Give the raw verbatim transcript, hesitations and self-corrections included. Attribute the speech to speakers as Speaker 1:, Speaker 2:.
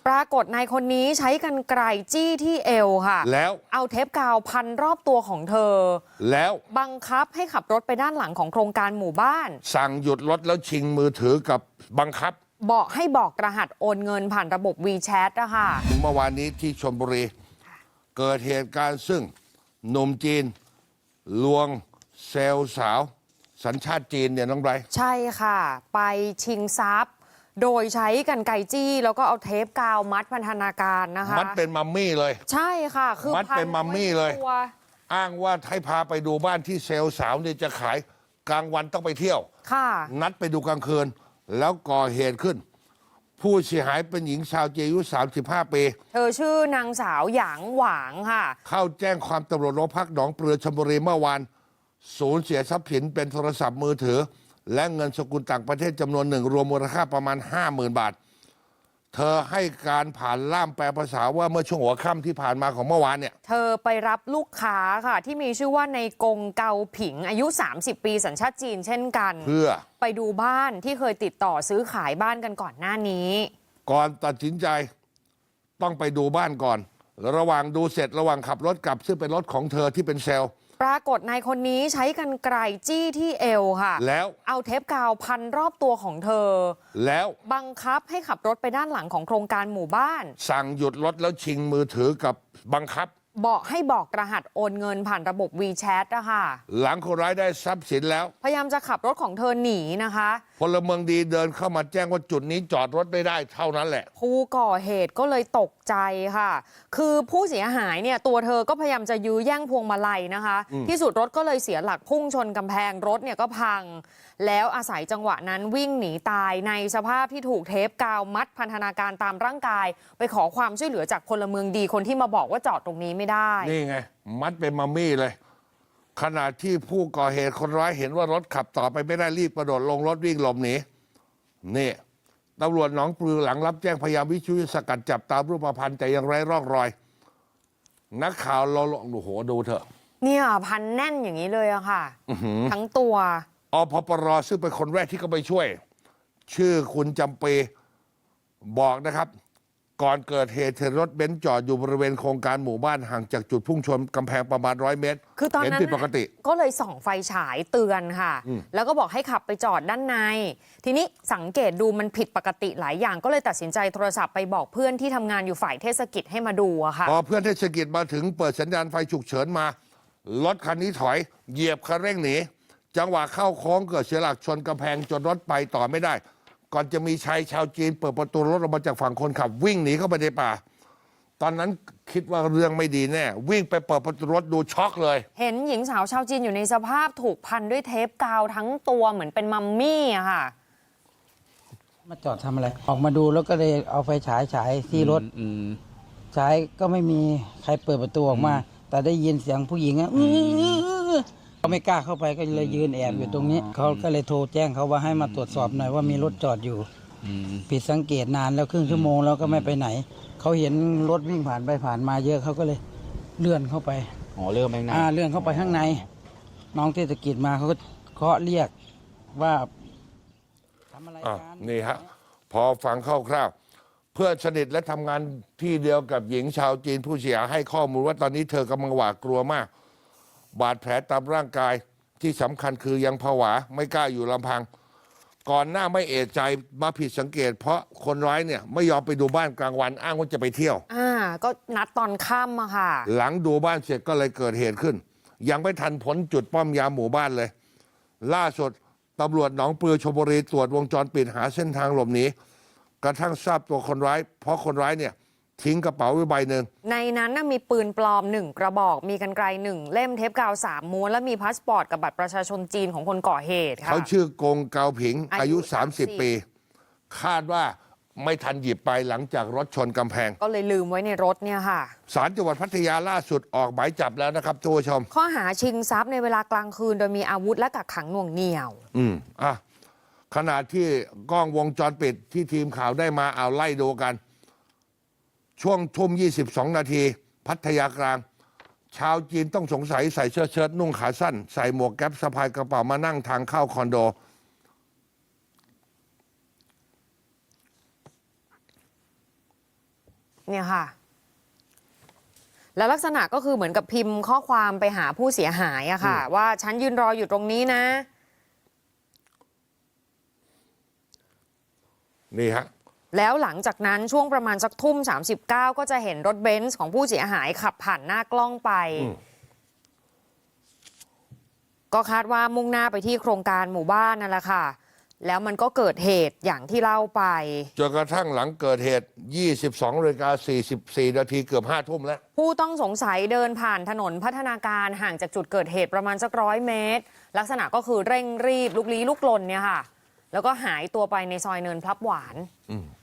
Speaker 1: ปรากฏนายคนนี้ใช้กรรไกรจี้ที่เอวค่ะ
Speaker 2: แล้ว
Speaker 1: เอาเทปกาวพันรอบตัวของเธอ
Speaker 2: แล้ว
Speaker 1: บังคับให้ขับรถไปด้านหลังของโครงการหมู่บ้าน
Speaker 2: สั่งหยุดรถแล้วชิงมือถือกับบังคับ
Speaker 1: บอกให้บอกรหัสโอนเงินผ่านระบบ WeChat นะคะ
Speaker 2: เมื่อวานนี้ที่ชลบุรีเกิดเหตุการณ์ซึ่งหนุ่มจีนลวงเซลล์สาวสัญชาติจีนเนี่ยน้องไบรท์
Speaker 1: ใช่ค่ะไปชิงทรัพย์โดยใช้กรรไกรจี้แล้วก็เอาเทปกาวมัดพันธนาการนะคะ
Speaker 2: มัดเป็นมัมมี่เลย
Speaker 1: ใช่ค่ะคือ
Speaker 2: มัดเป็นมัมมี่เลยอ้างว่าให้พาไปดูบ้านที่เซลล์สาวเนี่ยจะขายกลางวันต้องไปเที่ยว
Speaker 1: ค่ะ
Speaker 2: นัดไปดูกลางคืนแล้วก่อเหตุขึ้นผู้เสียหายเป็นหญิงชาวจีนอายุสามสิบห้าปี
Speaker 1: เธอชื่อนางสาวหยางหวางค่ะ
Speaker 2: เข้าแจ้งความตำรวจโรงพักหนองปลือชลบุรีเมื่อวานสูญเสียทรัพย์สินเป็นโทรศัพท์มือถือและเงินสกุลต่างประเทศจำนวนหนึ่งรวมมูลค่าประมาณ ห้าหมื่น บาทเธอให้การผ่านล่ามแปลภาษาว่าเมื่อช่วงหัวค่ำที่ผ่านมาของเมื่อวานเนี่ย
Speaker 1: เธอไปรับลูกค้าค่ะที่มีชื่อว่าในกงเกาผิงอายุสามสิบปีสัญชาติจีนเช่นกัน
Speaker 2: เพื่อ
Speaker 1: ไปดูบ้านที่เคยติดต่อซื้อขายบ้านกันก่อนหน้านี้
Speaker 2: ก่อนตัดสินใจต้องไปดูบ้านก่อนระหว่างดูเสร็จระหว่างขับรถกลับซึ่งเป็นรถของเธอที่เป็นเซลล์
Speaker 1: ปรากฏนายคนนี้ใช้กรรไกรจี้ที่เอวค่ะ
Speaker 2: แล้ว
Speaker 1: เอาเทปกาวพันรอบตัวของเธอ
Speaker 2: แล้ว
Speaker 1: บังคับให้ขับรถไปด้านหลังของโครงการหมู่บ้าน
Speaker 2: สั่งหยุดรถแล้วชิงมือถือกับบังคับ
Speaker 1: บอกให้บอกรหัสโอนเงินผ่านระบบ WeChat นะคะ
Speaker 2: หลังคนร้ายได้ทรัพย์สินแล้ว
Speaker 1: พยายามจะขับรถของเธอหนีนะคะ
Speaker 2: พลเมืองดีเดินเข้ามาแจ้งว่าจุดนี้จอดรถไม่ได้เท่านั้นแหละ
Speaker 1: ผู้ก่อเหตุก็เลยตกใจค่ะคือผู้เสียหายเนี่ยตัวเธอก็พยายามจะยื้อแย่งพวงมาลัยนะคะที่สุดรถก็เลยเสียหลักพุ่งชนกำแพงรถเนี่ยก็พังแล้วอาศัยจังหวะนั้นวิ่งหนีตายในสภาพที่ถูกเทปกาวมัดพันธนาการตามร่างกายไปขอความช่วยเหลือจากพลเมืองดีคนที่มาบอกว่าจอดตรงนี้ไม่ได้
Speaker 2: นี่ไงมัดเป็นมัมมี่เลยขณะที่ผู้ก่อเหตุคนร้ายเห็นว่ารถขับต่อไปไม่ได้รีบกระโดดลงรถวิ่งหลบหนีนี่ตำรวจหนองปลือหลังรับแจ้งพยายามวิชุยสกัดจับตามรูปพรรณแต่ยังไร้ร่องรอยนักข่าวเราโอ้โหดูเถอะ
Speaker 1: เนี่ยพันแน่นอย่างนี้เลยอะค่ะทั้งตัว
Speaker 2: อพปรซึ่งเป็นคนแรกที่เขาไปช่วยชื่อคุณจำปีบอกนะครับก่อนเกิดเหตุรถเบนซ์จอดอยู่บริเวณโครงการหมู่บ้านห่างจากจุดพุ่งชนกำแพงประมาณร้อยเมตร
Speaker 1: คือตอนนั้น
Speaker 2: เห็นผิดปกติ
Speaker 1: ก็เลยส่องไฟฉายเตือนค่ะแล้วก็บอกให้ขับไปจอดด้านในทีนี้สังเกตดูมันผิดปกติหลายอย่างก็เลยตัดสินใจโทรศัพท์ไปบอกเพื่อนที่ทำงานอยู่ฝ่ายเทศกิจให้มาดูอะค่ะ
Speaker 2: พอเพื่อนเทศกิจมาถึงเปิดสัญญาณไฟฉุกเฉินมารถคันนี้ถอยเหยียบคันเร่งหนีจังหวะเข้าโค้งเกิดเสียหลักชนกำแพงจนรถไปต่อไม่ได้ก่อนจะมีชายชาวจีนเปิดประตูรถออกมาจากฝั่งคนขับวิ่งหนีเข้าไปในป่าตอนนั้นคิดว่าเรื่องไม่ดีแน่วิ่งไปเปิดประตูรถดูช็อกเลย
Speaker 1: เห็นหญิงสาวชาวจีนอยู่ในสภาพถูกพันด้วยเทปกาวทั้งตัวเหมือนเป็นมัมมี่อะค่ะ
Speaker 3: มาจอดทำอะไรออกมาดูแล้วก็เลยเอาไฟฉายฉายที่รถฉายก็ไม่มีใครเปิดประตูออกมาแต่ได้ยินเสียงผู้หญิงอ่ะเขาไม่กล้าเข้าไปก็เลยยืนแอบอยู่ตรงนี้เขาก็เลยโทรแจ้งเขาว่าให้มาตรวจสอบหน่อยว่ามีรถจอดอยู่ผิดสังเกตนานแล้วครึ่งชั่วโมงแล้วก็ไม่ไปไหนเขาเห็นรถวิ่งผ่านไปผ่านมาเยอะเขาก็เลยเลื่อนเข้าไป
Speaker 4: อ๋อเลื่อนไปข้างใน
Speaker 3: อ่าเลื่อนเข้าไปข้างในน้องเทศกิจมาเขาก็เคาะเรียกว่าทำอะไรกัน
Speaker 2: นี่ฮะพอฟังคร่าวๆเพื่อนสนิทและทำงานที่เดียวกับหญิงชาวจีนผู้เสียหายให้ข้อมูลว่าตอนนี้เธอกำลังหวาดกลัวมากบาดแผลตามร่างกายที่สำคัญคือยังผวาไม่กล้าอยู่ลำพังก่อนหน้าไม่เอะใจมาผิดสังเกตเพราะคนร้ายเนี่ยไม่ยอมไปดูบ้านกลางวันอ้างว่าจะไปเที่ยว
Speaker 1: อ่าก็นัดตอนค่ำอะค่ะ
Speaker 2: หลังดูบ้านเสร็จก็เลยเกิดเหตุขึ้นยังไม่ทันพ้นจุดป้อมยามหมู่บ้านเลยล่าสุดตำรวจหนองปลือชลบุรีตรวจวงจรปิดหาเส้นทางหลบหนีกระทั่งทราบตัวคนร้ายเพราะคนร้ายเนี่ยทิ้งกระเป๋าไว้ใบหนึ่ง
Speaker 1: ในนั้นน่ะมีปืนปลอมหนึ่งกระบอกมีกรรไกรหนึ่งเล่มเทปกาวสามม้วนและมีพาสปอร์ตกับบัตรประชาชนจีนของคนก่อเหตุค่ะ
Speaker 2: เขาชื่อกงเกาผิงอายุสามสิบปีคาดว่าไม่ทันหยิบไปหลังจากรถชนกำแพง
Speaker 1: ก็เลยลืมไว้ในรถเนี่ยค่ะ
Speaker 2: ศาลจังหวัดพัทยาล่าสุดออกหมายจับแล้วนะครับทุกผู้ชม
Speaker 1: ข้อหาชิงทรัพย์ในเวลากลางคืนโดยมีอาวุธและกักขังหน่วงเหนี่ยว
Speaker 2: อืมอ่ะขณะที่กล้องวงจรปิดที่ทีมข่าวได้มาเอาไล่ดูกันช่วงทุ่มยี่สิบสองนาทีพัทยากลางชาวจีนต้องสงสัยใส่เสื้อเชิ้ตนุ่งขาสั้นใส่หมวกแก๊ปสะพายกระเป๋ามานั่งทางเข้าคอนโด
Speaker 1: เนี่ยค่ะ แล้วลักษณะก็คือเหมือนกับพิมพ์ข้อความไปหาผู้เสียหายอะค่ะ ว่าฉันยืนรออยู่ตรงนี้นะ
Speaker 2: นี่ฮะ
Speaker 1: แล้วหลังจากนั้นช่วงประมาณสักทุ่มสามสิบเก้าก็จะเห็นรถเบนซ์ของผู้เสียหายขับผ่านหน้ากล้องไป ก็คาดว่ามุ่งหน้าไปที่โครงการหมู่บ้านนั่นแหละค่ะ แล้วมันก็เกิดเหตุอย่างที่เล่าไป
Speaker 2: จนกระทั่งหลังเกิดเหตุ ยี่สิบสองนาฬิกาสี่สิบสี่นาทีเกือบห้าทุ่มแล้ว
Speaker 1: ผู้ต้องสงสัยเดินผ่านถนนพัฒนาการห่างจากจุดเกิดเหตุประมาณสักร้อยเมตร ลักษณะก็คือเร่งรีบลุกลี้ลุกลนเนี่ยค่ะ แล้วก็หายตัวไปในซอยเนินพลับหวาน
Speaker 2: อืม